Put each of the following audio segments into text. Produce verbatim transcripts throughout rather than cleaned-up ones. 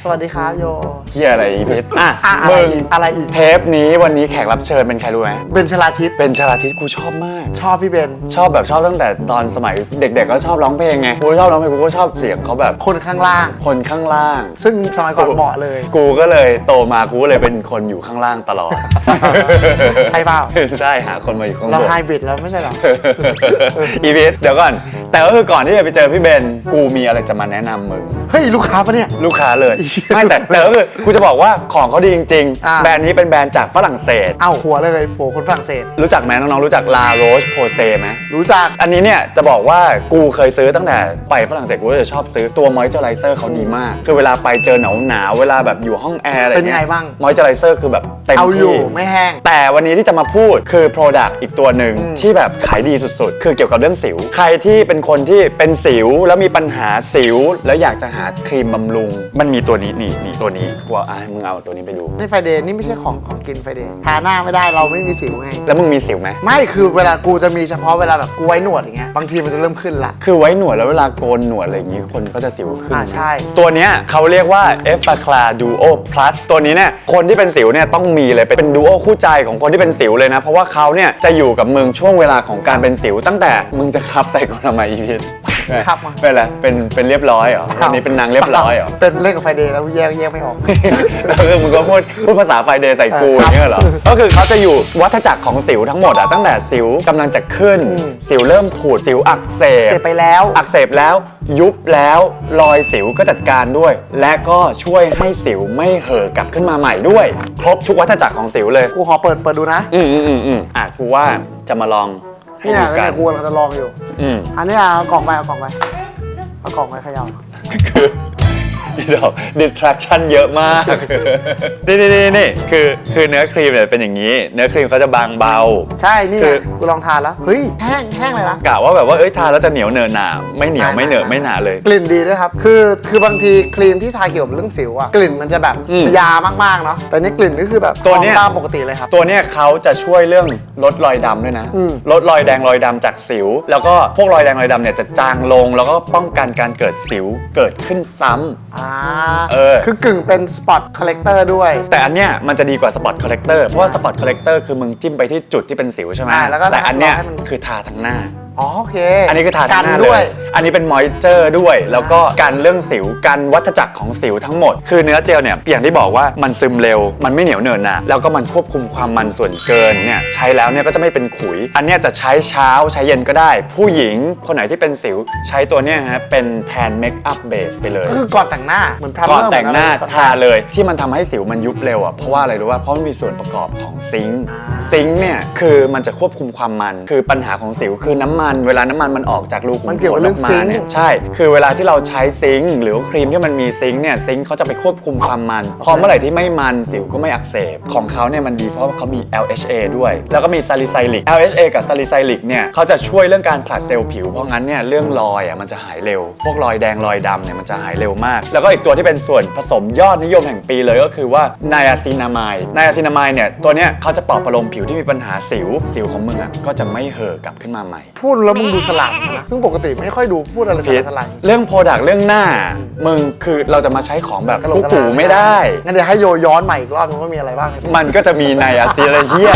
สวัสดีครับโยเฮียอะไรอีพิษอ่ะมึงอะไรอีกเทปนี้วันนี้แขกรับเชิญเป็นใครรู้ไหมเบนชลาทิศเป็นชลาทิศกูชอบมากชอบพี่เบนชอบแบบชอบตั้งแต่ตอนสมัยเด็กๆก็ชอบร้องเพลงไงกูชอบร้องเพลงกูก็ชอบเสียงเขาแบบคนข้างล่างคนข้างล่างซึ่งสมัยก่อนเหมาะเลยกูก็เลยโตมากูก็เลยเป็นคนอยู่ข้างล่างตลอดใช่เปล่าใช่หาคนมาอยู่ข้างบนเราไฮบริดแล้วไม่ใช่หรออีพิษเดี๋ยวก่อนแต่ก็คือก่อนที่จะไปเจอพี่เบนกูมีอะไรจะมาแนะนำมึงเฮ้ยลูกค้าปะเนี่ยลูกค้าเลยไม่แต่แต่ก็คือกูจะบอกว่าของเขาดีจริงๆแบรนด์นี้เป็นแบรนด์จากฝรั่งเศสเอ้าหัวเลยหัวคนฝรั่งเศสรู้จักไหมน้องๆรู้จัก La Roche Posay ไหมรู้จักอันนี้เนี่ยจะบอกว่ากูเคยซื้อตั้งแต่ไปฝรั่งเศสกูจะชอบซื้อตัว Moisturizer เขาดีมากคือเวลาไปเจอหนาวหนาวเวลาแบบอยู่ห้องแอร์อะไรเงี้ยเป็นไงบ้าง Moisturizer คือแบบเต็มที่เอาอยู่ไม่แห้งแต่วันนี้ที่จะมาพูดคือ Product อีกตัวหนึ่งที่แบบขายดีสุดๆคือเกี่ยวกับเรื่องสิวใครที่เป็นคนที่เป็นสิวแล้วมีปัญหาสิวแล้วอยากจะหาครีมบำรุงมันมีตัวนี้นี่นี่ตัวนี้กูเอาอ่ะมึงเอาตัวนี้ไปดูนี่ไฟเดย์นี่ไม่ใช่ของของกินไฟเดย์ทาหน้าไม่ได้เราไม่มีสิวไงแล้วมึงมีสิวไหมไม่คือเวลากูจะมีเฉพาะเวลาแบบกูไว้หนวดอย่างเงี้ยบางทีมันจะเริ่มขึ้นละคือไว้หนวดแล้วเวลาโกนหนวดอะไรอย่างงี้คนก็จะสิวขึ้นอ่าใช่ตัวเนี้ยเขาเรียกว่า Effaclar Duo Plus ตัวนี้เนี่ยคนที่เป็นสิวเนี่ยต้องมีเลยเป็นดูโอคู่ใจของคนที่เป็นสิวเลยนะเพราะว่าเขาเนี่ยจะอยู่กับมึงช่วงเวลาของการเป็นสิวตั้งแต่มึงจะคับใส่กูทำไมอีพิษครับมาเป็นอะไรเป็นเป็นเรียบร้อยเหรออันนี้เป็นนางเรียบร้อยเหรอเป็นเล่นกับไฟเดย์แล้วแยกแยกไม่ออกแล้วคือมึงก็พูดพูดภาษาไฟเดย์ใส่กูอย่างเงี้ยเหรอก็คือเขาจะอยู่วัฏจักรของสิวทั้งหมดอะตั้งแต่สิวกำลังจะขึ้นสิวเริ่มผุดสิวอักเสบเสพไปแล้วอักเสบแล้วยุบแล้วรอยสิวก็จัดการด้วยและก็ช่วยให้สิวไม่เห่อกลับขึ้นมาใหม่ด้วยครบทุกวัฏจักรของสิวเลยกูขอเปิดเปิดดูนะอืมอืมอืมอืมอ่ะกูว่าจะมาลองให้ดูกันกูเราจะลองอยู่อืมอันนี้เอากล่องไปเอากล่องไปเอากล่องไปเขย่าคือนี่ดอก distraction เยอะมากนี่นี่นี่นี่คือคือเนื้อครีมเนี่ยเป็นอย่างนี้เนื้อครีมเขาจะบางเบาใช่นี่กูลองทานแล้วเฮ้ยแห้งแห้งเลยนะกะว่าแบบว่าเอ้ยทานแล้วจะเหนียวเนอะหนาไม่เหนียวไม่เหนอะไม่หนาเลยกลิ่นดีด้วยครับคือคือบางทีครีมที่ทาเกี่ยวกับเรื่องสิวอะกลิ่นมันจะแบบยามากๆเนาะแต่นี่กลิ่นก็คือแบบตัวนี้ตามปกติเลยครับตัวนี้เขาจะช่วยเรื่องลดรอยดำด้วยนะลดรอยแดงรอยดำจากสิวแล้วก็พวกรอยแดงรอยดำเนี่ยจะจางลงแล้วก็ป้องกันการเกิดสิวเกิดขึ้นซ้ำอ่าเออคือกึ่งเป็นสปอตคอลเลกเตอร์ด้วยแต่อันเนี้ยมันจะดีกว่าสปอตคอลเลกเตอร์เพราะว่าสปอตคอลเลกเตอร์คือมึงจิ้มไปที่จุดที่เป็นสิวใช่ไหมแต่อันเนี้ยคือทาทั้งหน้าอ๋อโอเคอันนี้คือทาทั้งหน้าเลยอันนี้เป็นมอยส์เจอร์ด้วยแล้วก็กันเรื่องสิวกันวัฏจักรของสิวทั้งหมดคือเนื้อเจลเนี่ยอย่างที่บอกว่ามันซึมเร็วมันไม่เหนียวเหนอะหนะแล้วก็มันควบคุมความมันส่วนเกินเนี่ยใช้แล้วเนี่ยก็จะไม่เป็นขุยอันเนี้ยจะใช้เช้าใช้เย็นก็ได้ผู้หญิงคนไหนที่เป็นสิวใช้ตัวเนี้ยฮะเป็นแทนเมคอัพเบสไปเลยก็คือก่อนแต่งหน้าเหมือนพรามเมอร์ก่อนแต่งหน้าทาเลยที่มันทำให้สิวมันยุบเร็วอ่ะเพราะว่าอะไรรู้ว่าเพราะมันมีส่วนประกอบของซิงค์ซิงค์เนี่ยคือมันจะควบคุมความมันคือปัญหาของสิวคือน้ำมันเวลาน้ำมันมันออกจากรูขุมขนออกมาเนี่ยใช่คือเวลาที่เราใช้ซิงค์หรือครีมที่มันมีซิงค์เนี่ยซิงค์เขาจะไปควบคุมความมันพอเมื่อไหร่ที่ไม่มันสิวก็ไม่อักเสบของเขาเนี่ยมันดีเพราะเขามี แอล เอช เอ ด้วยแล้วก็มีซาลิไซลิก แอล เอช เอ กับซาลิไซลิกเนี่ยเขาจะช่วยเรื่องการผลัดเซลล์ผิวเพราะงั้นเนี่ยเรื่องรอยอ่ะมันจะหายเร็วพวกรอยแดงรอยดำเนี่ยมันจะหายเร็วมากแล้วก็อีกตัวที่เป็นส่วนผสมยอดนิยมแห่งปีเลยก็คือว่าไนอาซินามายไนอาซินามายเนี่ยตัวเนี้ยเขาจะปลอบประโลมผิวที่มีปัญหาสิวสิวของมึงอ่ะก็จะไม่เห่อกลับขึ้นมาใหม่พูดแล้วมึงดูฉลาดนะซึ่งปกติไม่ค่อยดูพูดอะไรฉลาดเรื่องโปรดักต์เรื่องหน้ามึงคือเราจะมาใช้ของแบบกุ๊กกูไม่ได้งั้นเดี๋ยวให้โยย้อนใหม่อีกรอบนึงว่ามีอะไรบ้างมันก็จะมีไนอาซินเฮีย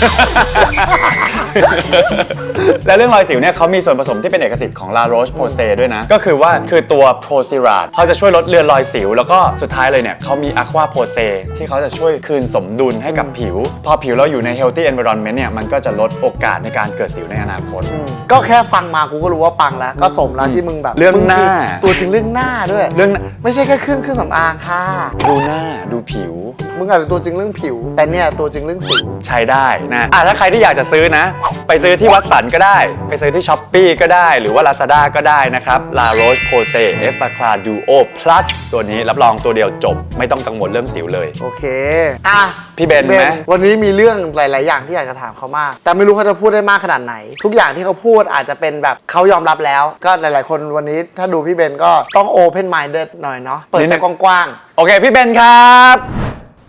และเรื่องรอยสิวเนี่ยเขามีส่วนผสมที่เป็นเอกสิทธิ์ของ La Roche Posay ด้วยนะก็คือว่าคือตัว Procirad เขาจะช่วยลดเลือนรอยสิวแล้วก็สุดท้ายเลยเนี่ยเขามี Aqua Posay ที่เขาจะช่วยคืนสมดุลให้กับผิวพอผิวเราอยู่ใน healthy environment เนี่ยมันก็จะลดโอกาสในการเกิดสิวในอนาคตก็แค่ฟังมากูก็รู้ว่าปังแล้วก็สมแล้วที่มึงแบบเรื่องหน้าตัวจริงเรื่องหน้าด้วยเรื่องไม่ใช่แค่เครื่องเครื่องสำอางค่ะดูหน้าดูผิวมึงอาจจะตัวจริงเรื่องผิวแต่เนี่ยตัวจริงเรื่องสิวใช้ได้นะอ่ะถ้าใครที่อยากจะซื้อนะไปซื้อที่วัดสันก็ได้ไปซื้อที่ Shopee ก็ได้หรือว่า Lazada ก็ได้นะครับ La Roche Posay Effaclar Duo Plus ตัวนี้รับรองตัวเดียวจบไม่ต้องกังวลเรื่องสิวเลยโอเคอ่ะพี่เบนไหมวันนี้มีเรื่องหลายๆอย่างที่อยากจะถามเขามากแต่ไม่รู้เขาจะพูดได้มากขนาดไหนทุกอย่างที่เขาพูดอาจจะเป็นแบบเขายอมรับแล้วก็หลายๆคนวันนี้ถ้าดูพี่เบนก็ต้อง open minded หน่อยเนาะเปิดใจกว้างๆโอเคพี่เบนครับ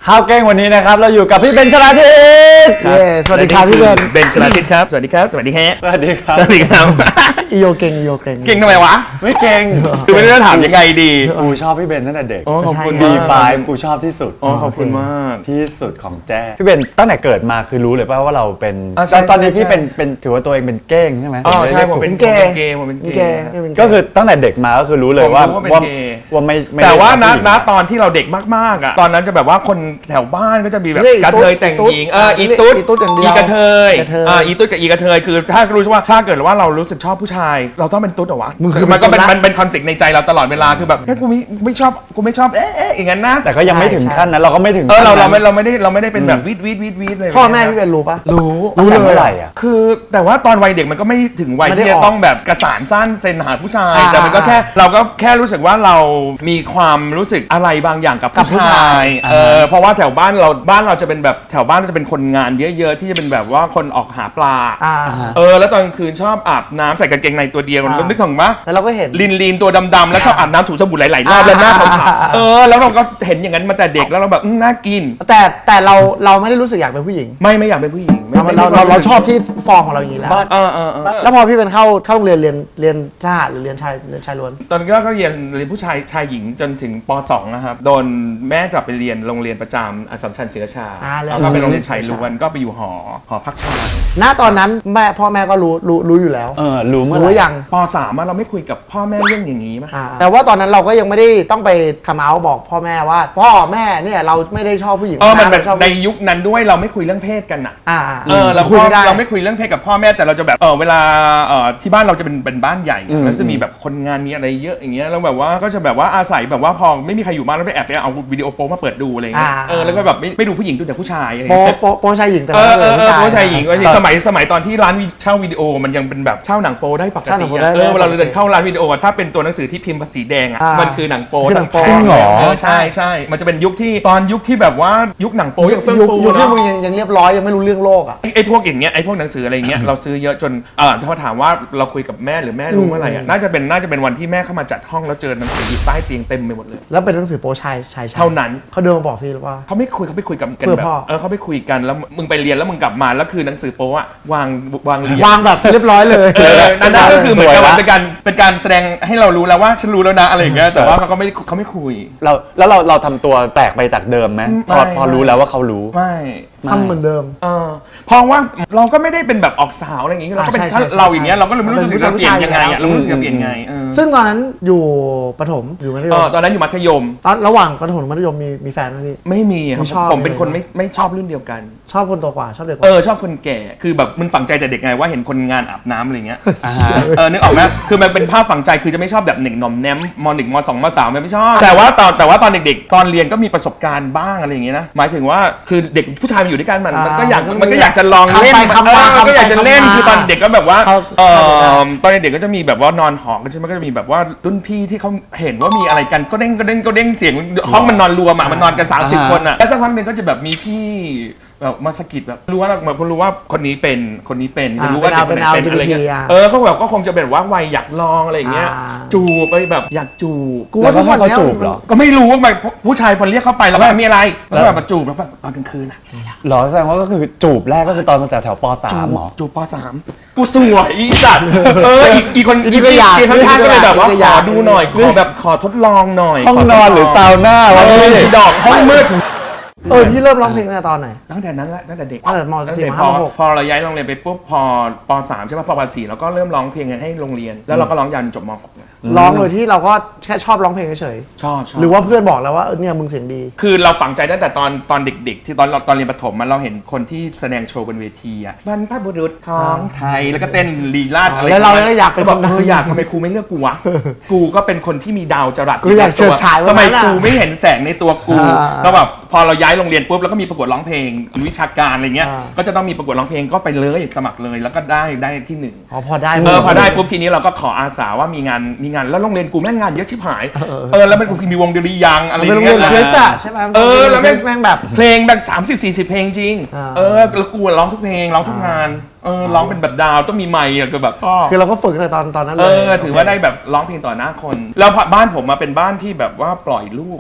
ข้าวเก้งวันนี้นะครับเราอยู่กับพี่เบนชลาทิศเย้สวัสดีครับพี่เบนเบนชลาทิศครับ สวัสดีครับ สวัสดีแฮะสวัสดีครับสวัสดีครับอีโยเก่งอีโยเก่งเก่งทำไมวะไม่เก่งคือไม่รู้จะถามยังไงดีกูชอบพี่เบนตั้งแต่เด็กโอ้ขอบคุณบีมากไฟว์กูชอบที่สุดโอ้ขอบคุณมากที่สุดของแจ้พี่เบนตั้งแต่เกิดมาคือรู้เลยป่ะว่าเราเป็นอ่าใช่ตอนตอนนี้ใช่พี่เป็นเป็นถือว่าตัวเองเป็นเก้งใช่ไหมอ๋อใช่ผมรียกเป็นเกย์เกย์ผมเป็นมีเกแกย์ไม่เป็นแก็คือตั้งแต่เด็กมาก็คือรู้เลยว่าผมรู้ว่าเป็นว่าเกย์ว่าไม่ไม่แต่ว่าได้นะชอบผู้หญิงนะตอนที่เราเด็กมากๆอ่ะตอนนั้นจะแบบว่าคนแถวบ้านก็จะมีแบบเรียกอีกระตุ๊ดเทยแต่งหญิงอีเออตุ๊ดอีตุ๊ดอีตุ๊ดอย่างเดียวอีกระเทยกระเทยอ่าอีตุ๊ดกับอีกระเทยคือถ้ารู้ว่าถ้าเกิดว่าเรารู้สึกชอบผู้ชาย เราต้องเป็นตุ๊ดเหรอวะมึงคือมันก็เป็นเป็นตุ๊ดละมันเป็นคอนฟ lict ในใจเราตลอดเวลาคือแบบแค่กูไม่ไม่ชอบกูไม่ชอบเอ๊ะเอ๊ะอย่างนั้นนะแต่ก็ยังไม่ถึงขั้นนั้นเราก็ไม่ถึงเออเราขั้เรานไม่นั้นเราไม่ได้เราไม่ได้เป็นแบบวีดวีดวีดวีดเลยพ่อแม่พี่เบนรู้ปะรู้ตั้งแต่เมื่อไหร่อ่ะคือแต่ว่าตอนวัยเด็กมันก็ไม่ถึงวัยไม่ได้ที่จะออกต้องแบบกระสานสั้นเซนหาผู้ชายอ่าแต่มันก็แค่เราก็แค่รู้สึกว่าเรามีความรู้สึกอะไรบางอย่างกับกับผู้ผู้ชาชาย ยเออเพราะว่าแถวบ้านเราบ้านเราจะเป็นแบบแถวบ้านจะเป็นคนงานเยอะๆที่จะเป็นแบบว่าคนออกหาปลาอ่าเออแล้วตอนกลางคืนชอบอาบน้ำใส่กางเกงในตัวเดียวอ่านึกถึงปะแต่เราก็เห็นลินลินตัวดำๆแล้วชอบอาบน้ำถูสบู่หลายๆรอบแล้วหน้าขาวอ่าๆเออแล้วเราก็เห็นอย่างนั้นมาแต่เด็กแล้วเราแบบอื้อน่ากินแต่แต่เราเราไม่ได้รู้สึกอยากเป็นผู้หญิงไม่ไม่อยากเป็นผู้หญิงไม่เราไม่เราไม่เราเราชอบที่ฟอร์มของเราอย่างนี้แล้วบ้านเออเออเออแล้วพอพี่เป็นเข้าเข้าโรงเรียนเรียนเรียนทหารหรือเรียนชายเรียนชายล้วนตอนก็ก็เรียนเรียนผู้ชายชายหญิงจนถึงป สองนะครับโดนแม่จับไปเรียนโรงเรียนประจำอัสสัมชัญศรีราชาอ่าแล้วแล้วก็เป็นโรงเรียนชายล้วนก็ไปอยู่หอหอพักชายณตอนนั้นแม่พ่อแม่ก็รู้รู้รู้อยู่แล้วเออรู้เมื่อรู้ไหร่ยังป สามอะเราไม่คุยกับพ่อแม่เรื่องอย่างนี้มั้ยอ่าแต่ว่าตอนนั้นเราก็ยังไม่ได้ต้องไปคำเอาบอกพ่อแม่ว่า พ่อแม่เนี่ยเราไม่ได้ชอบผู้หญิงเออมันแบบราชอบในยุคนั้นด้วยเราไม่คุยเรื่องเพศกันอะอ่าเออเราคุยพ่อไม่ได้เราไม่คุยเรื่องเพศกับพ่อแม่แต่เราจะแบบเออเวลาเออที่บ้านเราจะเป็นเป็นบ้านใหญ่อืมแล้วจะมีแบบคนงานมีอะไรเยอะอย่างเงี้ยแล้วแบบว่าก็จะแบบว่าอาศัยแบบว่าพอไม่มีใครอยู่บ้านแล้วไปแอบไปเอาวิดีโอโป๊มาเปิดดูอะไรเงี้ยอ่าเออแล้วก็แบบไม่ไม่ดูผู้หญิงดูแต่ผู้ชายอะไรโปเงี้ยโปโปชายหญิงแต่เออเออเออผู้ผู้ชายหญิงก็จริงสมัยสมัยตอนที่ร้านวิเช่าวิดีโอมันยังเป็นแบบเช่าหนังโปได้ปกเช่าหนัติงโป๊อะได้เออเวลาได้ปกติเราเดินเข้าร้านวิดีโออะถ้าเป็นตัวหนังสือที่พิมพ์ภาษีแดงอ่ะอ่ามัมันคือหนังโปคือหนังโป๊ทั้จริงเหรอเออใช่ใช่มันจะเป็นยุคที่ตอนยุคที่แบบว่ายุคหนังโปยังเฟื่องยุคฟูยุคที่เนาะมึงยังยังเรียบร้อยยังไม่รู้เรื่องโลกอ่ะไอ้ไอ้พวกอย่างเงี้ยไอ้พวกหนังสืออะไรอย่างเงี้ยเราซื้อเยอะจนเออถ้าถามว่าเราคุยกับแม่หรือแม่รู้เมื่อไหร่อ่ะน่าจะเป็นน่าจะเป็นวันที่แม่เข้ามาจัดห้องแล้วเจอหนังสืออยู่ใต้เตียงเต็มไปหมดเลยแล้วเป็นหนังสือโปชายชายชยเท่านั้นเขาเดินมาบอกพี่หรือว่าเขาไม่คุยเขาไปคุยกับกันเพื่อแบบพ่อเออเขาไปคุยกันแล้วมึงไปเรียนแล้วมึงกลับมาแล้วคือหนังสือโป๊อะวางวางเรียงวางแบบเรียบร้อยเลยเออนั่นก็คือเหมือนกับสวยละว่าเป็นการเป็นการแสดงให้เรารู้แล้วว่าฉันรู้แล้วนะอะไรอย่างเงี้ยแต่ว่าเขาก็ไม่เขาไม่คุยเราแล้วเราเราทำตัวแปลกไปจากเดิมไหมพอไม่พอรู้แล้วว่าเขารู้ไม่ทำเหมือนเดิมเออเพราะว่าเราก็ไม่ได้เป็นแบบออกสาวอะไรอย่างเงี้ยเราก็เป็นอ่าใช่ถ้าใช่เราอย่างเงี้ยเราก็เลยไม่รู้เป็นสึกจะเปลี่ยนยังไงผู้ชายอยู่แล้วอ่ะเราไม่รู้สึกจะเปลี่ยนไงเออซึ่งตอนนั้นอยู่ประถมอยู่มัธยเอมอตอนนั้นอยู่มัธยมตอนระหว่างประถมมัธยมมีมีแฟนไหมพี่ไม่มีอะคไม่ชอรับบผมเป็นเลยคนไม่ไม่ชอบรุ่นเดียวกันชอบคนโตกว่าชอบเด็กกเอว่าอชอบคนแก่คือแบบมันฝังใจแต่เด็กไงว่าเห็นคนงานอาบน้ำอะไรเงี้ยอ่าฮะเออนึกออกไหมคือมันเป็นภาพฝังใจคือจะไม่ชอบแบบหนึ่งหน่อมแนมมหนึ่งมสองมสามไม่ชอบ แต่ว่าตอนแต่ว่าตอนเด็กๆ ตอนเรียนก็มีประสบการณ์บ้างอะไรอย่างเงี้ยนะหมายถึงว่าคือเด็กผู้ชายมันอยู่ด้วยกันมันมันก็อยากมันก็อยากจะลองเล่นคำไปคำมาเออมันก็อยากจะเล่นคำไปคำมาคือตอนเด็กก็แบบว่าเขาเออตอนเด็กๆก็จะมีแบบว่านอนหอกันใช่ไหมก็จะมีแบบว่ารุ่นพี่ที่เขาเห็นว่ามีอะไรกันก็เด้งก็เด้งก็เด้งเสียงห้องมันนอนรวมอะมันนอนกันสามสิบอ่าฮะคนอะแล้วสักพักหนึ่งก็จะแบบมีพี่แบบมาสะกิดแบบรู้ว่าเหมือนคนรู้ว่าคนนี้เป็นคนนี้เป็นอ่ารู้ว่าเด็กคนไหนเป็นเป็นอะไรเงี้ยแอล จี บี ที อ่ะเออเขาแบบก็คงจะเป็นว่าวัยอยากลองอะไรอย่างเงี้ยอ่าจูบไปแบบอยากจูบกูแล้ว่าวก็ทุกให้วันเขาเนี้ยจูบเหรอก็ไม่รู้ว่าแบบผู้ชายพอเรียกเข้าไปแล้วแบบมีอะไรแล้วก็แบบมาจูบแล้วแบบตอนกลางคืนอะเหรอแสดงว่าก็คือจูบแรกก็คือตอนมาจากแถวปจูสามบเหรอจูบปสามกูสวยอีสัตว์เอออีกอีกคนอีอีกกก็อยากอีกข้างๆก็เลยแบบว่าอีกก็ขอยากอดูหน่อยขอแบบขอทดลองหน่อยห้องนอนหรือซาวน่าวะเออพี่ดอกห้องมืดเออพี่เริ่มร้องเพลงตั้งแต่ตอนไหนตั้งแต่นั้นแหละตั้งแต่เด็กตั้งแต่มตั้งสี่แต่มพห้าอมหกพอเราย้ายโรงเรียนไปปุ๊บพอปสามใช่ป่ะพอปสี่เราก็เริ่มร้องเพลงให้โรงเรียน แล้วเราก็ร้องยาวจนจบมหกเนี่ยร้องโดยที่เราก็แค่ชอบร้องเพลงเฉยชอบชอบๆหรือว่าเพื่อนบอกแล้วว่าเออเนี่ยมึงเสียงดีคือเราฝังใจตั้งแต่ตอนตอนเด็กๆ ที่ตอนเราตอนเรียนประถมมันเราเห็นคนที่แสดงโชว์บนเวทีอ่ะบรรพบุรุษของไทยแล้วก็เต้นลีลาดอะไรแล้วเราประมณก็อยากเป็นบอกคนนั้นเอออยากทำไมครูไม่เลือกกูวะ กูก็เป็นคนที่มีดาวจรัสกูอยากเฉิดฉายวันทำไมนั้นอะครูไม่เห็นแสงในตัวกูอ่าแล้วแบบพอเราย้ายโรงเรียนปุ๊บแล้วก็มีประกวดร้องเพลงวิชาการอะไรเงี้ยอ่าก็จะต้องมีประกวดร้องเพลงก็ไปเลยสมัครเลยแล้วก็ได้ได้ที่หนึ่งอ๋อพอได้เออพอได้ปุ๊บทีนี้เราก็ขออาสาว่ามีงานมีงานแล้วโรงเรียนกูแม่งงานเยอะชิบหายเออแล้วมันกูมีวงเดลียางอะไรเป็นโรงเรียนงี้เพสอะใช่ไหมเออแล้วเพแม่งสแม่งแบบเพลงแบบสามสิบสี่สิบเพลงจริงอ่าเออแล้วกูร้องทุกเพลงร้องทุกงานเออร้องเป็นแบบดาวต้องมีไมค์อะคือแบบพ่อคือเราก็ฝึกตั้งแต่ตอนตอนนั้นเลเอย อถือว่าได้แบบร้องเพลงต่อหน้าคน แล้วบ้านผมมาเป็นบ้านที่แบบว่าปล่อยลูกอ่ะ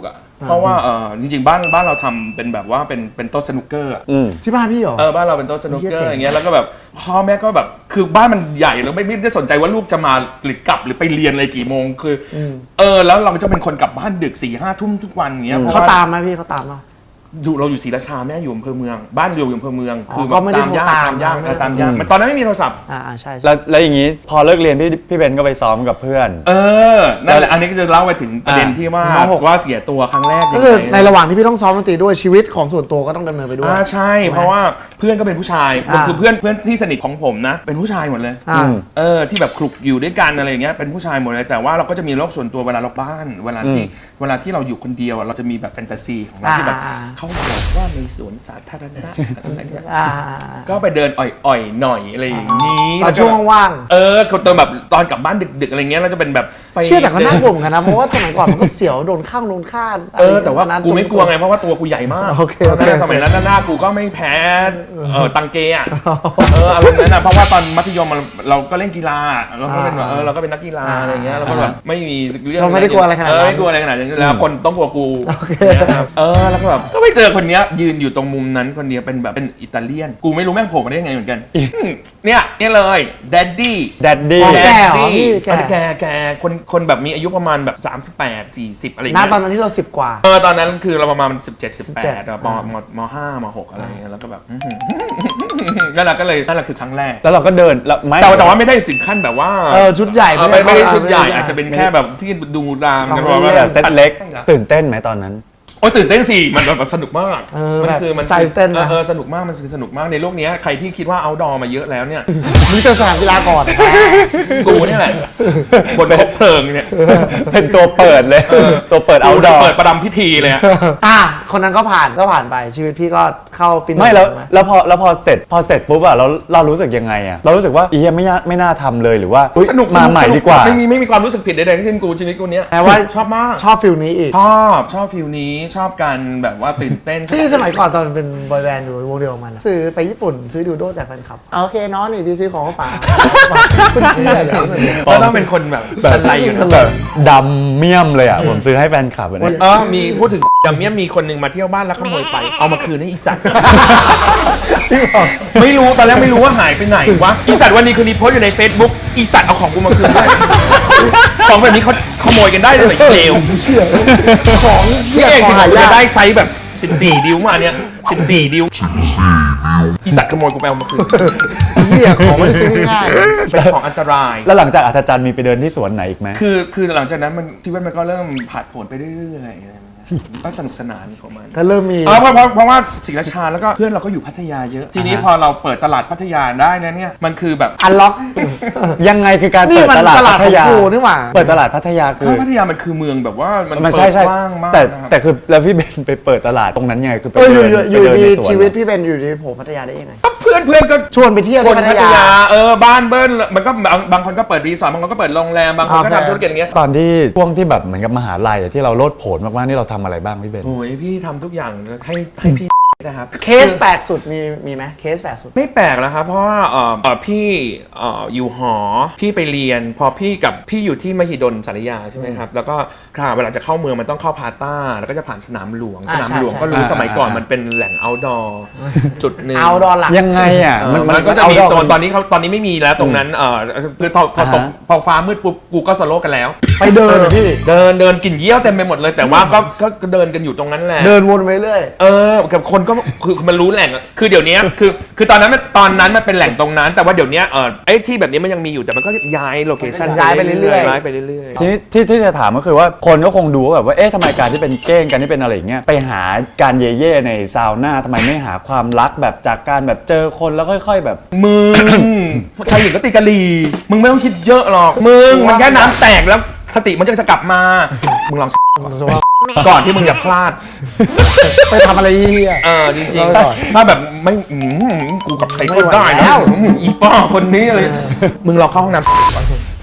เพราะว่าเออจริงๆบ้านบ้านเราทำเป็นแบบว่าเป็นเป็นโต๊ะสนุกเกอร์อืมที่บ้านพี่เหรอเออบ้านเราเป็นโต๊ะสนุกเกอเหี้ยเจ๋งร์อย่างเงี้ยแล้วก็แบบพ่อแม่ก็แบบคือบ้านมันใหญ่แล้วไม่ไม่ได้สนใจว่าลูกจะมาหรือกลับหรือไปเรียนอะไรกี่โมงคืออเออแล้วเราจะเป็นคนกลับบ้านดึกสี่ห้าทุ่มทุกวันอย่างเงี้ยพระเขาว่ตามไหมพี่เขาตามไหมอยู่เราอยู่ศรีราชาแม่อยู่อำเภอเมือง บ้านอยู่อำเภอเมืองอ๋อคือก็ไม่ได้ตามยากโทรตามตามยากไม่เอได้อตามยากมันตอนนั้นไม่มีโทรศัพท์อ่าอ่าใช่ใช่แล้วแล้วอย่างนี้พอเลิกเรียนพี่พี่เบนก็ไปซ้อมกับเพื่อนเออนั่นแหละอันนี้ก็จะเล่าไปถึงประเด็นอ่าที่ว่าน้องหกว่าเสียตัวครั้งแรกก็คือยังไงในระหว่างที่พี่ต้องซ้อมดนตรีด้วยชีวิตของส่วนตัวก็ต้องดำเนินไปด้วยอ่าใช่ เพราะว่าเพื่อนก็เป็นผู้ชายอ่าคือเพื่อนเพื่อนที่สนิทของผมนะ เป็นผู้ชายหมดเลยอ่าเออที่แบบคลุกอยู่ด้วยกันอะไรอย่างเงี้ยเป็นผู้ชายหมดเลยแต่ว่าเราก็จะมีโลกส่วนตัวเวลาเราบ้านเวลาที่เวลาที่เราอยู่คนเดียวอะเราจะมีแบบแฟนตาซีของเราที่แบบอ่าเขาบอกว่าในสวนสาธารณะอะไรเนี่ยอ่าก็ไปเดินอ่อยๆหน่อยอะไรอย่างนี้ตอนช่วงว่างเออตอนแบบตอนกลับบ้านดึกๆอะไรเงี้ยเราจะเป็นแบบไปเชื่อแต่ก็น่ากลัวเหมือนกันนะ เพราะว่าสมัยก่อนมันก็เสียวโดนข้างโดนฆ่าเออแต่ว่านั้นกูไม่กลัวไงเพราะว่าตัวกูใหญ่มากโอเคโอเคสมัยนั้นหน้ากูก็ไม่แพ้เออตังเกอะเอออารมณ์นั้นนะเพราะว่าตอนมัธยมเราเราก็เล่นกีฬาเราก็เป็นแบบเออเราก็เป็นนักกีฬาอะไรเงี้ยเราก็แบบไม่มีเรื่องเราไม่ได้กลัวอะไรขนาดนั้นเออไม่กลัวอะไรขนาดนั้นอยู่แล้วคนต้องกลัวกูโอเคเนี่ยครับเออแล้วก็แบบก็ไปเจอคนเนี้ยยืนอยู่ตรงมุมนั้นคนเดียวเป็นแบบเป็นอิตาเลียนกูไม่รู้แม่งโผล่มาได้ยังไงเหมือนกันเนี่ยเนี่ยเลยแดดดี้แดดดี้อ๋อ แก่เหรอดี้พี่แก่แกแกคนคนแบบมีอายุประมาณแบบสามสิบแปด สี่สิบอะไรอย่างน้าเงี้ยตอนนั้นที่เราสิบกว่าเออตอนนั้นคือเราประมาณสิบเจ็ด สิบแปดสิบเจ็ดอะมมมห้ามหกอะไรอย่างเงี้ยแล้วก็แบบอื้อหือนั่นแหละก็เลยนั่นแหละคือครั้งแรกแล้วเราก็เดินแล้วไม่แต่ว่าแต่ว่าไม่ได้ถึงขั้นแบบว่าเออชุดใหญ่เออไม่ไม่ได้ไม่ได้ชุดใหญ่ไม่ได้อาจจะเป็นแค่แบบที่ดูตามลองกันไปว่าแบบเซตเล็กใช่หรอตื่นเต้นไหมตอนนั้นโอ้ยตื่นเต้นสิมันแบบสนุกมากเออมัแบบคือมันใจเต้นนะออเออสนุกมากมันคือสนุกมากในโลกเนี้ยใครที่คิดว่าเอาดอมาเยอะแล้วเนี่ยมึงเจอสนามกีฬาก่อนกูเนี่ยแหละบนคบเพลิงเนี่ยเป็นตัวเปิดเลย ตัวเปิดเอาดอเปิดประดำพิธีเลยอะอ่ะคนนั้นก็ผ่านก็ผ่านไปชีวิตพี่ก็เข้าปีหนึ่งไม่แล้วถูกหแล้วพอแล้วพอเสร็จพอเสร็จปุ๊บอะเราเรารู้สึกยังไงอะเรารู้สึกว่าอีเหี้ยไม่น่าไม่น่าทำเลยหรือว่าอุ๊ยสนุกมาสนุใหม่สนุดีกว่าไม่มีไม่มีความรู้สึกผิดใดๆทั้งสิ้นกูชีวิตกูเนี้ยแปลว่าชอบมากชอบฟิลนี้อีกชอบชอบฟิลนี้ชอบการแบบว่าตื่นเต้นที่สมัยก่อนตอนเป็นบอยแบนด์อยู่วงเดียวกับมันอะซื้อไปญี่ปุ่นซื้อดูโดจากแฟนคลับโอเคน้องนี่พี่ซื้อของมาฝากคุณเชื่อเหรอก็ต้องเป็นคนแบบชันไรอยู่นะแบบดำเมี่ยมเลยอะผมซื้อให้แฟนคลับอะเนี่ยเออมีพูดถึงจำเนี้ยมีคนหนึ่งมาเที่ยวบ้านแล้วขโมยไปเอามาคืนให้อีสัตว์ไม่รู้ตอนแรกไม่รู้ว่าหายไปไหนวะอีสัตว์วันนี้คืนนี้โพสต์อยู่ใน Facebook อีสัตว์เอาของกูมาคืนด้วยของแบบนี้เขาขโมยกันได้เลยเหรอเลวของเชี่พี่ยเองขอถึงงหาจะยากได้ไซส์แบบสิบสี่ดิวมาเนี่ยสิบสี่ดิวอีสัตว์ขโมยกูไปเอามาคืนเชี่ยของไม่ได้ซื้อง่ายเป็นของอันตรายแล้วหลังจากอัธจันทร์มีไปเดินที่สวนไหนอีกไหมคือคือหลังจากนั้นมันชีวิตมันก็เริ่มผ่านผลไปเรื่อยๆอะไรอย่างเงี้ยก็สนุกสนานของมันๆก็เริ่มมีเออเพราะเพราะเพราะว่าศรีราชาแล้วก็เพื่อนเราก็อยู่พัทยาเยอะ ทีนี้พอเราเปิดตลาดพัทยาได้นะเนี่ยมันคือแบบอันล็อกยังไงคือการนี่เปิดมันตลาดตลาดพัทยาของกูนี่หว่าเปิดตลาดพัทยาคือเพราะพัทยามันคือเมืองแบบว่ามันมันเปิใช่ดใช่กว้างมากแต่นะครับแต่คือแล้วพี่เบนไปเปิดตลาดตรงนั้นยังไงคือไปเอออยู่เดินอยู่ไปเดินดีในสวนชีวิตพี่เป็นอยู่ดีโผล่พัทยาได้ยังไงเพื่อนเพื่อนก็ชวนไปเที่ยวคที่นพัทพัทยายาเออบ้านเบิ้ลมันก็บางบางคนก็เปิดรีสอร์ทบางคนก็เปิดโรงแรมบางคนก็โอเคทำธุรกิจอย่างเงี้ยตอนที่ช่วงที่แบบเหมือนกับมหาลัยอะที่เราโลดโผนมากๆนี่เราทำอะไรบ้างพี่เบนโอ้ยพี่ทำทุกอย่างให้ให้พี่นะครับเคสแปลกสุดมีมีไหมเคสแปลกสุดไม่แปลกแล้วครับเพราะว่าเอ่อเอ่อพี่เอ่ออยู่หอพี่ไปเรียน พอพี่กับพี่อยู่ที่มหิดลสารยาใช่ไหมครับแล้วก็ค่ะเวลาจะเข้าเมืองมันต้องเข้าพาต้าแล้วก็จะผ่านสนามหลวงอ่าสนามหลวงใช่ก็รู้ใช่สมัยก่อนอ่ามัมันเป็นแหล่ง outdoor จุดหนึ่งเอาดอลหลักยังไงอ่ะเออมันก็จะมีโซนตอนนี้เขาตอนนี้ไม่มีแล้วตรงนั้นเออคือพอพอตกอ่าฮะพอฟ้ามืดปุ๊บกูก็สโลว์กันแล้วไปเดินเหรอพี่เดินเดินกลิ่นเยี่ยวเต็มไปหมดเลย แต่ว่าก็ก็ก็เดินกันอยู่ตรงนั้นแหละเดินวนไปเรื่อยเออกับคนก็คือมันรู้แหล่งอะคือเดี๋ยวนี้คือคือตอนนั้นมันตอนนั้นมันเป็นแหล่งตรงนั้น แต่ว่าเดี๋ยวนี้เออไอ้ที่แบบนี้มันยังมีอยู่แต่มันก็ย้ายโลเคชั่นย้ายไปเรื่อยๆย้ายไปเรื่อยทีนี้ที่ที่จะถามก็คือว่าคนก็คงดูว่าแบบว่าเอ๊ะทำไมการที่เป็นเก้งการที่เป็นอะไรอย่างเงี้ยไปหาการเย่เย่ในซาวน่าทำไมไม่หาความรักแบบจากการแบบเจอคนแล้วค่อย ๆ แบบๆมึงใครหญิงก็ตีกะลีมึงไม่ต้องคิดเยอะหรอกมึงมันแค่น้ำแตกแล้วสติมันจะจะกลับมามึงลองๆก่อนที่มึงจะพลาดไปทำอะไรเฮียเออจริงเราไปก่อนๆถ้าแบบไม่อืมกูกับใครไม่ก็ไหวได้แล้นะวอืมอีป้าคนนี้อะไรมึงลองเข้าห้องน้ำก่อน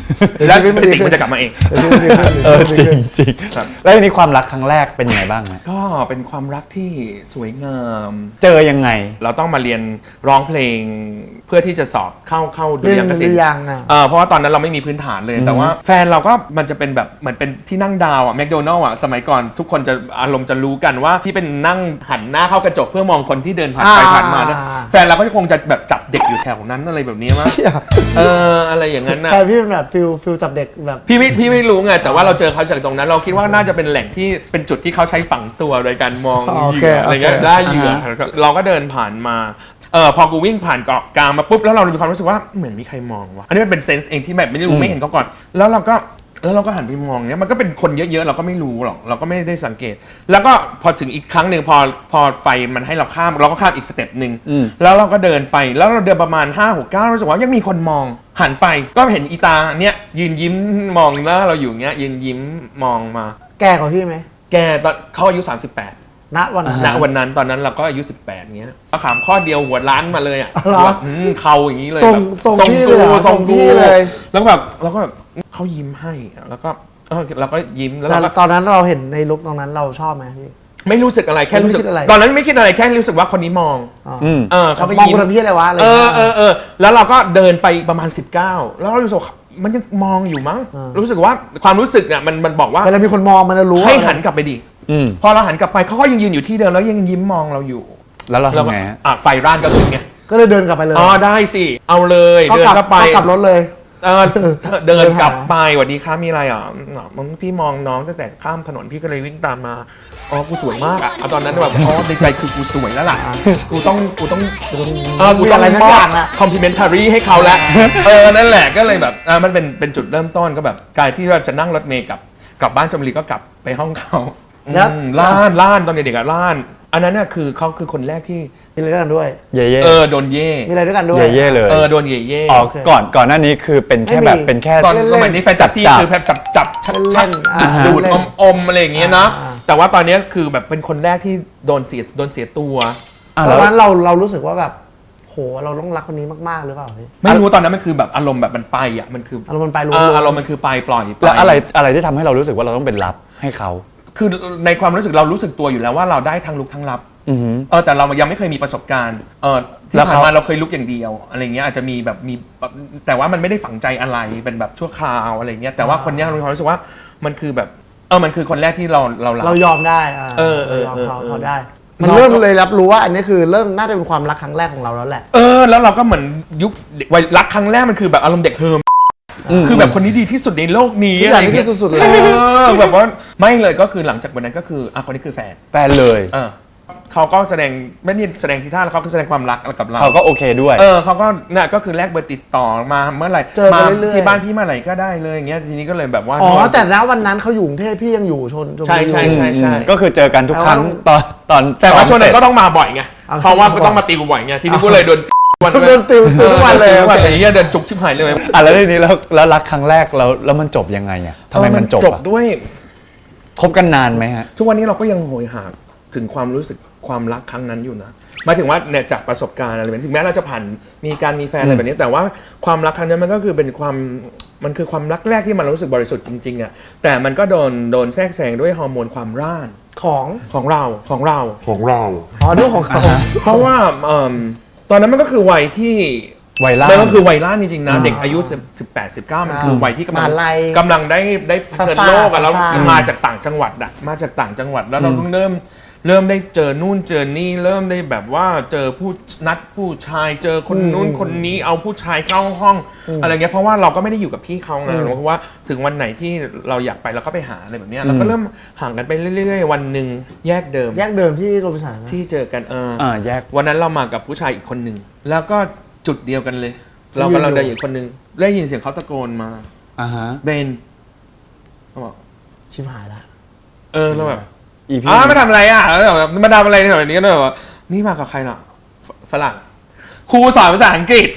แล้วสติมันจะกลับมาเองเออจริงจริงครับแล้วทีนี้ความรักครั้งแรกเป็นยังไงบ้างฮะก็เป็นความรักที่สวยงามเจอยังไงเราต้องมาเรียนร้องเพลงเพื่อที่จะสอบเข้าเข้าดุริยางคศิลเรียนดุริป์ยางค์อะเออเพราะว่าตอนนั้นเราไม่มีพื้นฐานเลย แต่ว่าแฟนเราก็มันจะเป็นแบบเหมือนเป็นที่นั่งดาวอะแมคโดนัลล์อะสมัยก่อนทุกคนจะอารมณ์จะรู้กันว่าที่เป็นนั่งหันหน้าเข้ากระจกเพื่อมองคนที่เดินผ่านไปผ่านมานะแฟนเราก็คงจะแบบจับเด็กอยู่แถวนั้นอะไรแบบนี้มั้งเชี่ยเอออะไรอย่างนั้นนะแต่พี่เป็นแบบฟิลฟิลจับเด็กแบบพี่ไม่พี่ไม่รู้ไงแต่ว่าเราเจอเขาจากตรงนั้น เราคิดว่าน่าจะเป็นแหล่งที่เป็นจุดที่เขาใช้ฝังตัวโดยการมองเหยื่ออะไรเงี้ยได้เหยื่อเราก็เดินผ่านมาเออพอกูวิ่งผ่านเกาะกลางมาปุ๊บแล้วเรามีความรู้สึกว่าเหมือนมีใครมองวะอันนี้มันเป็นเซนส์เองที่แบบไม่รู้ไม่เห็นเขาก่อน แล้วเราก็แล้วเราก็หันไปมองเนี้ยมันก็เป็นคนเยอะๆเราก็ไม่รู้หรอกเราก็ไม่ได้สังเกต แล้วก็พอถึงอีกครั้งหนึ่งพอพอไฟมันให้เราข้ามเราก็ข้ามอีกสเต็ปหนึ่งแล้วเราก็เดินไปแล้วเราเดินประมาณห้าหกเก้ารู้สึกว่ายังมีคนมองหันไปก็เห็นอีตาเนี้ยยืนยิ้มมองหน้าเราอยู่เงี้ยยืนยิ้มมองมาแก่กว่าพี่ไหมแกตอนเขาอายุสามสิบแปดณวันนั้นณวันนั้นตอนนั้นเราก็อายุสิบแปดเงี้ยก็ขามข้อเดียวหัวล้านมาเลยอ่ะอ๋อเหรอว่าอืมเขาอย่างนี้เลยส่งแบบส่งพี่กูเลยเหรอส่งส่งพี่กูเลยแล้วแบบเราก็แบบเขายิ้มให้อะแล้วก็เออเราก็ยิ้มแล้วแต่เราก็ตอนนั้นเราเห็นในลุคตรงนั้นเราชอบไหมพี่ไม่รู้สึกอะไรแค่รู้สึกไม่คิดอะไรตอนนั้นไม่คิดอะไรแค่รู้สึกว่าคนนี้มองอ๋ออืมเออเขาไปมองยิ้มคนทำพี่อะไรวะอะไรเองี้อย เออเออแล้วเราก็เดินไปประมาณสิบเก้าแล้วเรารู้สึกว่ามันยังมองอยู่มั้งอ่ารู้สึกว่าความรู้สึกเนี่ยมันมันบอกว่าเวลามีคนมองมันจะรู้ให้หันกลับไปดิอืมพอเราหันกลับไปเขาก็ยังยืนอยู่ที่เดิมแล้วยังยิ้มมองเราอยู่แล้วเราเราก็ทำไงฮะอ่ะไฟร้านก็ขึ้นไงก็เลยเดินกลับไปเลยอ๋อได้สิเอาเลยก็เดินกลับเข้าไปก็กลับรถเลยเออเดินกลับเดินหาไปสวัสดีครับมีอะไรอ่ะอ๋อมันพี่มองน้องตั้งแต่ข้ามถนนพี่ก็เลยวิ่งตามมาอ๋อกูสวยมากอ่ะเอาตอนนั้นแบบอ๋อในใจคือกูสวยแล้วล่ะกูต้องกูต้องเออกูมีต้ออะไรงสักมออบ ย่างอะคอมพลีเมนทารีให้เขาแล้วเออนั่นแหละก็เลยแบบอ่ามันเป็นเป็นจุดเริ่มต้นก็แบบการที่เราจะนั่งรถเมล์กลับกลับบ้านชลบุรีก็กลับไปห้องเขาแล้วอืมล้านล้านตอนเด็กๆอะล้าน อันนั้นน่ะคือเขาคือคนแรกที่มีอะไรด้วยกันด้วยเย่เย่เออโดนเย่มีอะไรด้วยกันด้วยเย่เย่เลยเออโดนเย่เย่อ๋อก่อนก่อนหน้านี้คือเป็นแค่ไม่มีแบบเป็นแค่ตอนเล่นๆสมัยนี้แฟนตาซีจับๆคือแบบจับจับชัดเล่ชัดนๆอ่าดูดเล่อน มอมๆอะไรอย่างเงี้ยนะอ่าแต่ว่าตอนเนี้ยคือแบบเป็นคนแรกที่โดนเสียโดนเสียตัวอ่ะตแล้อวนนั้นเราเรารู้สึกว่าแบบโหเราต้องรักคนนี้มากๆหรือเปล่าพี่ไม่รู้ตอนนั้นมันคือแบบอารมณ์แบบมันไปอ่ะมันคืออารมณ์มันไปรู้เอออารมณ์มันคือไปปล่อยไปแล้วอะไรอะไรที่ทำให้เรารู้สึกว่าเราต้องเป็นรับให้เขาคือในความรู้สึกเรารู้สึกตัวอยู่แล้วว่าเราได้ทั้งลุกทั้งรับอือหือเออแต่เรายังไม่เคยมีประสบการณ์เออที่แล้วผ่านเขามาเราเคยลุกอย่างเดียวอะไรเงี้ยอาจจะมีแบบมีแบบแต่ว่ามันไม่ได้ฝังใจอะไรเป็นแบบชั่วคราวอะไรเงี้ยแต่ว่าคนเนี้ยเรามีความรู้สึกว่ามันคือแบบเออมันคือคนแรกที่เราเรารักเรายอมได้อ่าเออเออราเออเขาเออเขาได้ มันเริ่มเลยรับรู้ว่าอันนี้คือเริ่มน่าจะเป็นความรักครั้งแรกของเราแล้วแหละเออแล้วเราก็เหมือนยุควัยรักครั้งแรกมันคือแบบอารมณ์เด็กเฮิร์มคือแบบคนนี้ดีที่สุดในโลกนี้ทุกอย่างที่ดีสุดๆเลยเออแบบว่าไม่เลยก็คือหลังจากวันนั้นก็คืออ่ะคนนี้คือแฟนแฟนเลยเออเขาก็แสดงไม่ได้แสดงทีท่าแล้วเขาก็แสดงความรักกับเราเขาก็โอเคด้วยเออเขาก็เนี่ยก็คือแลกเบอร์ติดต่อมาเมื่อไหร่เจอกันมาเรื่อยๆที่บ้านพี่เมื่อไหร่ก็ได้เลยอย่างเงี้ยทีนี้ก็เลยแบบว่าอ๋อแต่ณวันนั้นเขาอยู่กรุงเทพพี่ยังอยู่ชนชลบุใช่รีใช่อยู่ใช่ใช่ก็คือเจอกันทุกครั้งตอนตอนแต่ว่าช่วงนั้นก็ซ้มเสร็จต้องมาบ่อยไงเอาเพราะว่าบ่อยต้องมาตีกูบ่อยไงทีนี้กูเลยโดนวันโดนติวติวทุกวันเลยทุกวันโอเคแต่เนี้ยเดินจุกชิบหายเลยอ่ะแล้วทีนี้แล้วแล้วรักครั้งแรกแล้วแล้วมันจบยังไงอ่ะทำไมมันจบจบอ่ะด้วยคบกันนานไหมฮะทุกวันนี้เราก็ยังโหยหาถึงความรู้สึกความรักครั้งนั้นอยู่นะหมายถึงว่าเนี่ยจากประสบการณ์อะไรแบบนี้ถึงแม้เราจะผ่านมีการมีแฟนอะไรแบบนี้ แต่ว่าความรักครั้งนั้นมันก็คือเป็นความมันคือความรักแรกที่มันรู้สึกบริสุทธิ์จริงๆอ่ะแต่มันก็โดนโดนแทรกแซงด้วยฮอร์โมนความร่านของของเราของเราของเราอ๋อเรื่องของเขาเพราะว่าเอิ่มตอนนั้นมันก็คือวัยที่วัยล่ามันก็คือวัยร่านจริงๆนะอ่าเด็กอายุสิบแปด สิบเก้ามันคือวัยที่กำลัมหาลัยกำลังได้ได้เผชิญซ่าๆโลกอะแล้วซ่าๆมาจากต่างจังหวัดอะมาจากต่างจังหวัดแล้วเราเพิ่งเริ่มเริ่มได้เจอนู่นเจอนี่เริ่มได้แบบว่าเจอผู้นัดผู้ชายเจอคนนู้นคนนี้เอาผู้ชายเข้าห้องอะไรเงี้ยเพราะว่าเราก็ไม่ได้อยู่กับพี่เขาไงเพราะว่าถึงวันไหนที่เราอยากไปเราก็ไปหาอะไรแบบเนี้ยเราก็เริ่มห่างกันไปเรื่อยๆวันหนึ่งแยกเดิมแยกเดิมที่โรบินสันนะที่เจอกันเอออ่าแยกวันนั้นเรามากับผู้ชายอีกคนหนึ่งแล้วก็จุดเดียวกันเลย เรากำลังเดินอยู่คนหนึ่งได้ยินเสียงเขาตะโกนมาอ่าฮะเบนเขาบอกชิบหายละเออเราแบบอีพีอ้าวมาทำอะไรอ่ะแล้วแบบมาทำอะไรเนี่ยแบบนี้ก็เลยแบบว่านี่มากับใครเนาะฝฝรั่งครูสอนภาษาอังกฤษ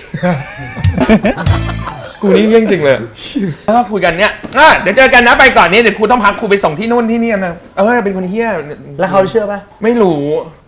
กูนี่เยี่ยงจริงเลยแล้วก็คุยกันเนี่ยอ่ะเดี๋ยวเจอกันนะไปก่อนนี้เดี๋ยวครูต้องพักครูไปส่งที่นู่นที่นี่นะเออเป็นคนเฮี้ยแล้วเขาเชื่อป่ะไม่รู้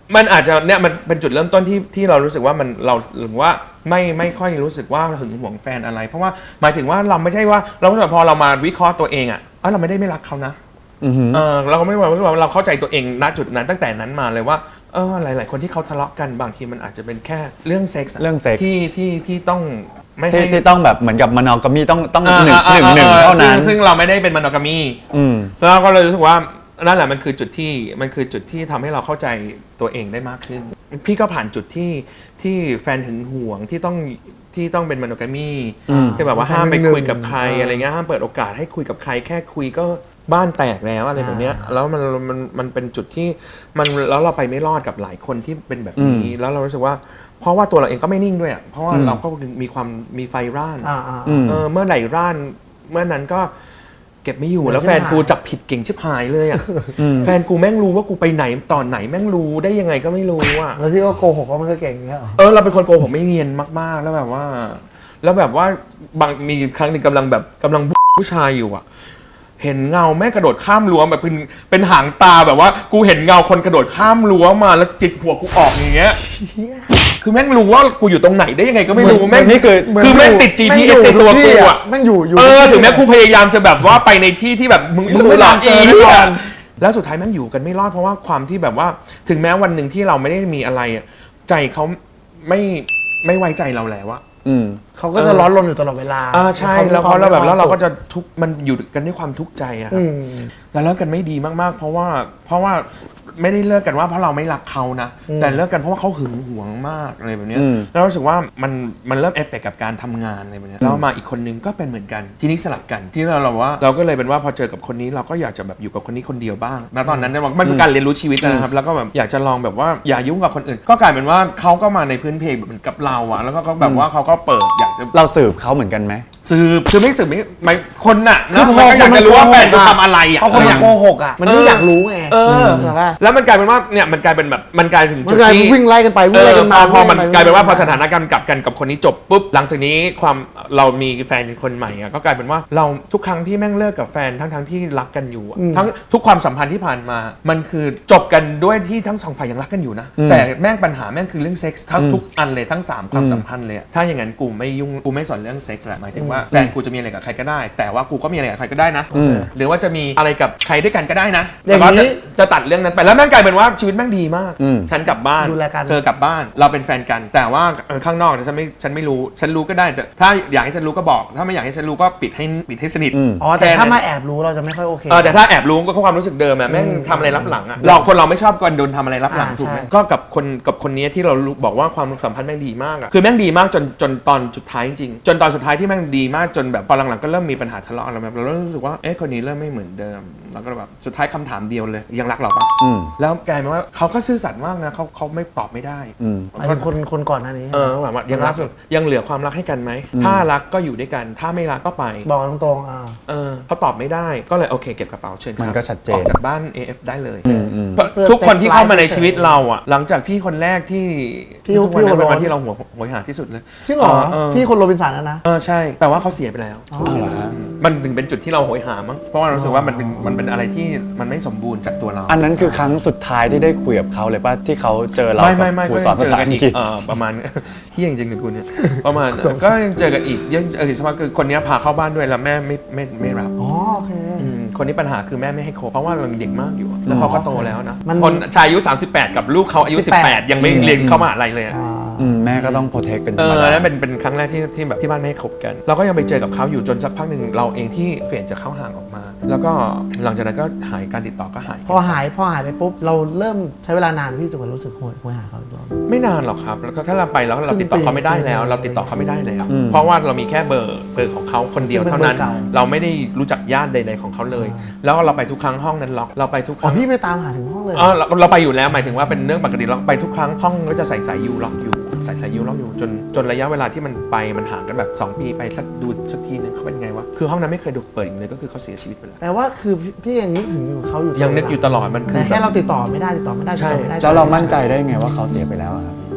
มันอาจจะเนี่ยมันเป็นจุดเริ่มต้นที่ที่เรารู้สึกว่ามันเราหรือว่าไม่ไม่ค่อยรู้สึกว่าหึงหวงแฟนอะไร เพราะว่าหมายถึงว่าเราไม่ใช่ว่าเราพอเรามาวิเคราะห์ตัวเองอ่ะเออเราไม่ได้ไม่รักเขานะเออเราก็ไม่ว่าเราเข้าใจตัวเองณจุดนั้นตั้งแต่นั้นมาเลยว่าเออหลาย ๆ คนที่เขาทะเลาะกันบางทีมันอาจจะเป็นแค่เรื่องเซ็กส์เรื่องเซ็กส์ที่ที่ที่ต้องไม่ที่ให้ที่ต้องแบบเหมือนกับมานอกามีต้องต้องหอ่านึ่งอ่าหนึ่งหนึ่งอ่เท่านั้นซึ่งซึ่งเราไม่ได้เป็นมโนกามีอืมแล้วก็เลยรู้สึกว่านั่นแหละมันคือจุดที่มันคือจุดที่ทำให้เราเข้าใจตัวเองได้มากขึ้น พี่ก็ผ่านจุดที่ที่แฟนหึงหวงที่ต้องที่ต้องเป็นมโนกามีอืมที่แบบว่าห้ามไปคุยกับใครอ่าอะไรเงี้ยห้ามเปิดโอกาสให้คุยกับใครแค่คุยก็บ้านแตกแล้วอะไรแบบเนี้ยแล้วมันมันมันเป็นจุดที่มันแล้วเราไปไม่รอดกับหลายคนที่เป็นแบบนี้แล้วเรารู้สึกว่าเพราะว่าตัวเราเองก็ไม่นิ่งด้วยอ่ะเพราะว่าอืมเราก็มีความมีไฟร่านอ่าอ่าอืมเออเมื่อไหร่ร่านเมื่อนั้นก็เก็บไม่อยู่เดี๋ยวแล้วแฟนชิบหายกูจับผิดเก่งชิบหายเลยอ่ะอืมแฟนกูแม่งรู้ว่ากูไปไหนตอนไหนแม่งรู้ได้ยังไงก็ไม่รู้อ่ะแล้วที่ก็โกหกว่ามันก็เก่งอย่างเงี้ยเหรอเออเราเป็นคนโกหกไม่เนียนมากๆแล้วแบบว่า แล้วแบบว่าบางมีครั้งหนึ่งกำลังแบบกำลังผู้ชายอยู่อ่ะ เห็นเงาแม่งกระโดดข้ามรั้วแบบเป็นเป็นหางตาแบบว่ากูเห็นเงาคนกระโดดข้ามรั้วมาแล้วจิกหัวกูออกอย่างเงี้ย คือแม่งรู้ว่ากูอยู่ตรงไหนได้ยังไงก็ไม่รู้เหมือนแม่งนี่คือคือแม่งติด จี พี เอส ในตัวกูอ่ะแม่งอยู่อยู่เออทุกที่ถึงแม้กูพยายามจะแบบว่าไปในที่ที่แบบมึงมึงไม่หรอกเจอีอแน่นอนแล้วสุดท้ายแม่งอยู่กันไม่รอดเพราะว่าความที่แบบว่าถึงแม้วันหนึ่งที่เราไม่ได้มีอะไรอะใจเขาไม่ไม่ไว้ใจเราแล้วอะอืมเขาก็จะร้อนรนอยู่ตลอดเวลาอ่าใช่แล้วเขาเราแบบแล้วเราก็จะทุกข์มันอยู่กันด้วยความทุกข์ใจอะครัอืบมแต่เลิกกันไม่ดีมากๆ เพราะว่าเพราะว่าไม่ได้เลิกกันว่าเพราะเราไม่รักเขานะอืมแต่เลิกกันเพราะว่าเขาหึงหวงมากอะไรแบบเนี้ยอืมแล้วรู้สึกว่ามันมันเริ่มเอฟเฟกต์กับการทำงานอะไรแบบเนี้ยแล้วมาอีกคนนึงก็เป็นเหมือนกันทีนี้สลับกันที่เราเราว่าเราก็เลยเป็นว่าพอเจอกับคนนี้เราก็อยากจะแบบอยู่กับคนนี้คนเดียวบ้างณตอนนั้นเนี่ยมันเป็นการเรียนรู้ชีวิตนะครับแล้วก็แบบอยากจะลองแบบว่าอย่ายุ่งกับคนอื่น ก็กลายเป็นว่าเขาก็มาในพื้นเพเหมือนกับเราอะแล้วก็แบบว่าเขาก็เปิดอยากจะเราสืบเขาเหมือนกันไหมสืบคือไม่สืบไม่ไม่คนน่ะคืนะอพอมันก็อยากจะรู้ว่าแฟนกูคนมันโกหกอะทำอะไรอ่ะเพราะคนอมัยาน กโกหกอ่ะ มันก็อยากรู้ไงเออใช่ปะแล้วมันกลายเป็นว่าเนี่ยมันกลายเป็นแบบมันกลายถึงมัจุนดกลายที่เป็นวิ่งไล่กันไปวิ่งไล่กันมาเออพอพอมันวิ่งไกลายเป็นว่าพอวิ่งสถานการณ์กลับกันกับคนนี้จบปุ๊บหลังจากนี้ความเรามีแฟนคนใหม่อ่ะก็กลายเป็นว่าเราทุกครั้งที่แม่งเลิกกับแฟนทั้งทั้งที่รักกันอยู่อะทั้งทุกความสัมพันธ์ที่ผ่านมา มันคือจบกันด้วยที่ทั้งสองฝ่ายยังรักกันอยู่นะอืมแต่แม่งปัญหาแม่งคือเรื่องเซ็กส์ทั้งทุกอันเลยทั้งสามความสัมพันธ์เลยอะถ้าอย่างนั้นกูไม่ยุ่งกูไม่สนเรื่องเซ็กส์แหละหมายถึงว่าแฟนกูจะมีอะไรกับใครก็ได้ แต่ว่ากูก็มีอะไรกับใครก็ได้นะอืมหรือว่าจะมีอะไรกับใครด้วยกันก็ได้นะอย่างแต่ว่านี้จะจะตัดเรื่องนั้นไปแล้วแม่งกลายเป็นว่าชีวิตแม่งดีมากอืมฉันกลับบ้านดูแลกันเธอกลับบ้านเราเป็นแฟนกัน แต่ว่าเออข้างนอกเนี่ยฉันไม่ฉันไม่รู้ฉันรู้ก็ได้แต่ถ้าอยากให้ฉันรู้ก็บอก ถ้าไม่อยากให้ฉันรู้ก็ปิดให้ปิดให้สนิทอืมอ๋อแต่ค่ถ้านั้นมาแอบรู้เราจะไม่ค่อยโอเคเออแต่ถ้าแอบรู้ก็ความรู้สึกเดิมอะแม่งทำอะไรรับหลังอะเราคนเราไม่ชอบกันโดนทำอะไรรับหลังอ่าถูกไหมใช่ก็กับคนกับคนนี้ที่เรารู้บอกว่าความสัมพันธ์แม่งดีมากอะคือแม่งดีมากจนจนตอนสุดท้ายจริงๆจนตอนสุดท้ายที่แม่งดีมากจนแบบพอหลังๆก็เริ่มมีปัญหาทะเลาะอะไรแบบเราเริ่มรู้สึกว่าเอ๊ะคนนี้เริ่มไม่เหมือนเดิมแล้วก็แบบสุดท้ายคำถามเดียวเลยยังรักเราปะอืมแล้วกลายเป็นว่าเขาก็ซื่อสัตย์มากนะเขาเขาไม่ตอบไม่ได้อืมหมายถึงคนคนก่อนหน้านี้เออแบบว่ายังรักยังเหลือความรักให้กันไหมถ้ารักก็อยู่ด้วยกันถ้าไม่รักก็ไปบอกตรงๆอ่าเออเขาตอบไม่ได้ก็เลยโอเคเก็บกระเป๋าเชิญครับมันก็ชัดเจนออกจากบ้าน เอ เอฟ ได้เลยอืมอืมเพราะทุกคนที่เข้ามาในชีวิตเราอ่ะ หลังจากพี่คนแรกที่พี่ทุกวันนั้นพี่เป็นคนวันร้อนที่เราหัวหัวหาที่สุดเลยจริงเหรอเออพี่คนโรบินสันนะนะเออใช่ แต่ว่าเขาเสียไปแล้วอ๋อเหรอฮะมันถึงเป็นจุดที่เราโหยหามั้งเพราะว่าเรารู้สึกว่ามันเป็นมันเป็นอะไรที่มันไม่สมบูรณ์จากตัวเราอันนั้นคือครั้งสุดท้ายที่ได้คุยกับเขาเลยป่ะที่เขาเจอเราไม่กัไม่ไม่บครูก็สอนยังภาเจอษากันอังอีกกฤษเออประมาณ เฮี้ยจริงๆเลยคุณเนี่ยประมาณก็ยังเจอกันอีกยังเออสมมติคือคนนี้พาเข้าบ้านด้วยแล้วแม่ไม่ไม่ไม่รับอ๋อโอเคอืมคนนี้ปัญหาคือแม่ไม่ให้คบเพราะว่าเรายังเด็กมากอยู่อะแล้วเขาก็โตแล้วนะมันคนชายอายุสามสิบแปดกับลูกเขาอายุสิบแปดสิบแปดยังไม่เรียนเข้ามหาอะไรเลยอะอ่าอืมแม่ก็ต้องโปรเทคเป็นธเอรรมอดานั่นเป็นเป็นครั้งแรกที่ที่แบบที่บ้านไม่ให้คบกัน เราก็ยังไปเจอกับเขาอยู่จนสักพักหนึ่งเราเองที่เปลี่ยนจากเขาห่างออกมา แล้วก็หลังจากนั้นก็หายการติดต่อก็หายพอหายพอหายไปปุ๊บเราเริ่มใช้เวลานานพี่จนกว่ารู้สึกโหยโหยหาเขาอีกรอบไม่นานหรอกครับแล้วก็ถ้าเราไปแล้วเราติดต่อเขาไม่ได้แล้ว เราติดต่อเขาไม่ได้แล้วอืมเพราะว่าเรามีแค่เบอร์เบอร์ของเขาคนเดียวเท่านั้นซึ่งเป็นเบอร์เก่าเราไม่ได้รู้จักญาติใดๆของเขาเลย แล้วเราไปทุกครั้งห้องนั้นล็อกเราไปทุกคอ๋อรั้งพี่ไปตามหาถึงห้องเลยเออเราเราไปอยู่แล้วหมายถึงว่าเป็นเรื่องปกติเราไปทุกครั้งห้องก็จะใส่สายยูล็อกอยู่ใส่สายยูล็อกอยู่จนจนระยะเวลาที่มันไปมันห่างกันแบบสองปีไปสักดูสักทีนึงเขาเป็นไงวะคือห้องนั้นไม่เคยดูเปิดอีกเลยก็คือเขาเสียชีวิตไปแล้วแต่ว่าคือพี่พี่ยังนึกถึงอยู่เขาอยู่ยังนึกอยู่ตลอดมันคือแต่แค่เราติดต่อไม่ได้ติดต่อไม่ได้ติดต่อไม่ได้แล้วเรามั่นใจได้ไงว่าเขาเสียไปแล้วอะครับพ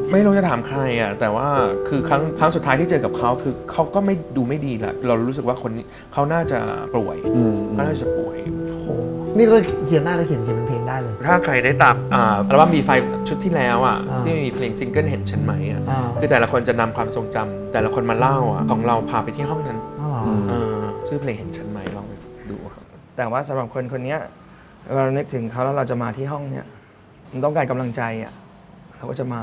ไม่รู้จะถามใครอ่ะแต่ว่าคือครั้งครั้งสุดท้ายที่เจอกับเขาคือเขาก็ไม่ดูไม่ดีแหละเรารู้สึกว่าคนนี้เขาน่าจะป่วยอืมเขาน่าจะป่วยโอ้โหนี่ก็เขียนหน้าได้เขียนเขียนเป็นเพลงได้เลยถ้าใครได้ตามอ่าอัลบั้ม บี ไฟว์ ชุดที่แล้วอ่ะอ่าที่มีเพลงซิงเกิลเห็นฉันไหมอ่ะอ่าคือแต่ละคนจะนำความทรงจำแต่ละคนมาเล่าอ่ะของเราพาไปที่ห้องนั้นอ๋อเหรอเออชื่อเพลงเห็นฉันไหมลองไปดูครับแต่ว่าสำหรับคนคนเนี้ยเรานึกถึงเขาแล้วเราจะมาที่ห้องเนี้ยมันต้องการกำลังใจอ่ะเขาก็จะมา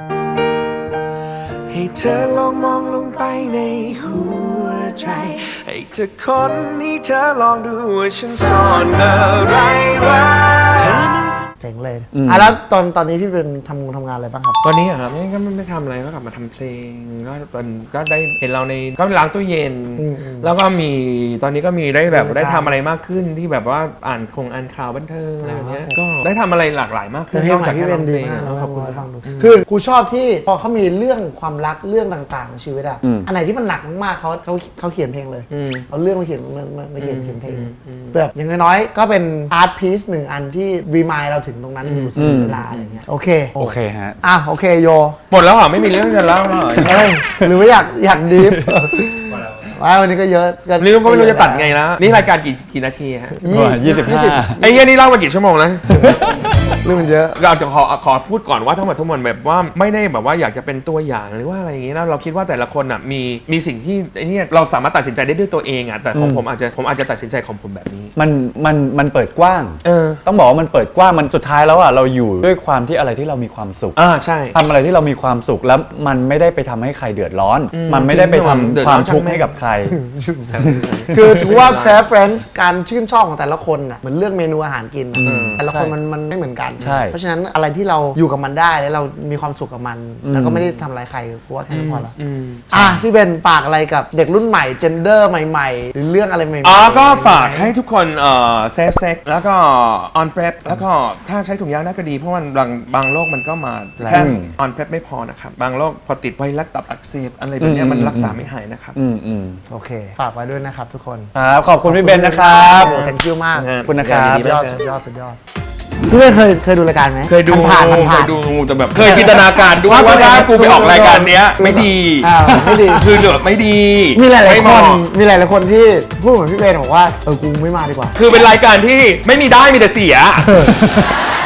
ให้เธอลองมองลงไปในหัวใจให้เธอค้นให้เธอลองดูว่าฉันซ่อนอะไรไว้เธอนั้นเจ๋งเลยอ่ะแล้วตอนตอนนี้พี่เป็นทำงานทำงานอะไรบ้างครับตอนนี้อะครับไม่ก็ไม่ไม่ทำอะไรก็กลับมาทำเพลงก็เป็นก็ได้เห็นเราในก็ล้างตู้เย็นอืมอืมแล้วก็มีตอนนี้ก็มีได้แบบรายการได้ทำอะไรมากขึ้นที่แบบว่าอ่านคงอ่านข่าวบันเทิงอะไรแบบเนี้ยอ่าก็ได้ทำอะไรหลากหลายมากขึ้แต่นเพลงนอกใหม่จากพี่แค่เป็ร้อน งดีเพลงมากอะนะขอบคุณให้คฟัรับงดูคือกูชอบที่พอเขามีเรื่องความรักเรื่องต่างๆในชีวิตอะอืมอันไหนที่มันหนักมากๆเขาเขาเขาเขียนเพลงเลยอืมเอาเรื่องมาเขียนมามามาเขียนเขียนเพลงอืมอืมแบบอย่างน้อยๆก็เป็นอาร์ตพีซหนึ่งอันที่รีมายเราถึงตรงนั้นอยู่เสมอเวลาอะไรเงี้ยโอเคโอเคฮะอ่ะโอเคโยหมดแล้วเหรอไม่มีเรื่องจะเล่าแล้วเหรอเอ้ยหรือว่าอยากอยากดีฟว่าวันนี้ก็เยอะนี่ก็ไม่รู้จะตัดไงนะนี่รายการกี่กี่นาทีฮะยี่สิบห้าไอ้เงี้ยนี่เล่ามากี่ชั่วโมงแล้วเรื่องมันเยอะเราจะขอขอพูดก่อนว่าทั้งหมดทั้งมวลแบบว่าไม่ได้แบบว่าอยากจะเป็นตัวอย่างหรือว่าอะไรอย่างงี้นะเราคิดว่าแต่ละคนอ่ะมีมีสิ่งที่ไอ้เนี่ยเราสามารถตัดสินใจได้ด้วยตัวเองอ่ะแต่ของผมอาจจะผมอาจจะตัดสินใจของผมแบบนี้มันมันมันเปิดกว้างเออต้องบอกว่ามันเปิดกว้างมันสุดท้ายแล้วอ่ะเราอยู่ด้วยความที่อะไรที่เรามีความสุขอ่าใช่ทำอะไรที่เรามีความสุขแล้วมันไม่ได้ไปทำให้ใครเดือดร้อนอืมมันไม่ได้ไปทำเดือดคร้วาอนมทุกข์ช่างแม่งให้กับใครคือถือว่าแฟร์เฟรนด์การชื่นชอบของแต่ละคนน่ะเหมือนเลือกเมนูอาหารกินน่ะอืมแต่ละคนใช่มันมันไม่เหมือนกันใช่เพราะฉะนั้นอะไรที่เราอยู่กับมันได้แล้วเรามีความสุขกับมัน แล้วก็ไม่ได้ทำอะไรายใครกูว่าแค่นั้นพอละอืมอ่ะพี่เบนฝากอะไรกับเด็กรุ่นใหม่เจนเดอร์ใหม่ๆ หรือเรื่องอะไรใหม่ๆอ๋อก็ฝากให้ทุกคนเอ่อเซฟเซ็กแล้วก็ออนเพรสแล้วก็ถ้าใช้ถุงยางน่าก็ดีเพราะมันบางบางโรคมันก็มาแค่ออนเพรสไม่พอนะครับบางโรคพอติดไวรัสตับอักเสบอะไรแบบเนี้ยมันรักษาไม่หายนะครับอืมอืมโอเค ฝากไว้ด้วยนะครับทุกคนครับขอบคุณพี่เบนนะครับโอ้ thank you มากขอบขอบคุณนะครับสุดยอดสุดยอดสุดยอดพี่เบนเคยเคยดูรายการไหมเคยดูผ่านๆเคผ่าย นๆดูแต่แบบเคยจินตนาการด้วยว่าถ้ากูไปออกรายการเนี้ยไม่ดีอ่าไม่ดีคือเหลือไม่ดีมีหลายไม่ๆเหคนมาะมีหลายๆคนที่พูดเหมือนพี่เบนบอกว่าเออกูไม่มาดีกว่าคือเป็นรายการที่ไม่มีได้มีแต่เสีย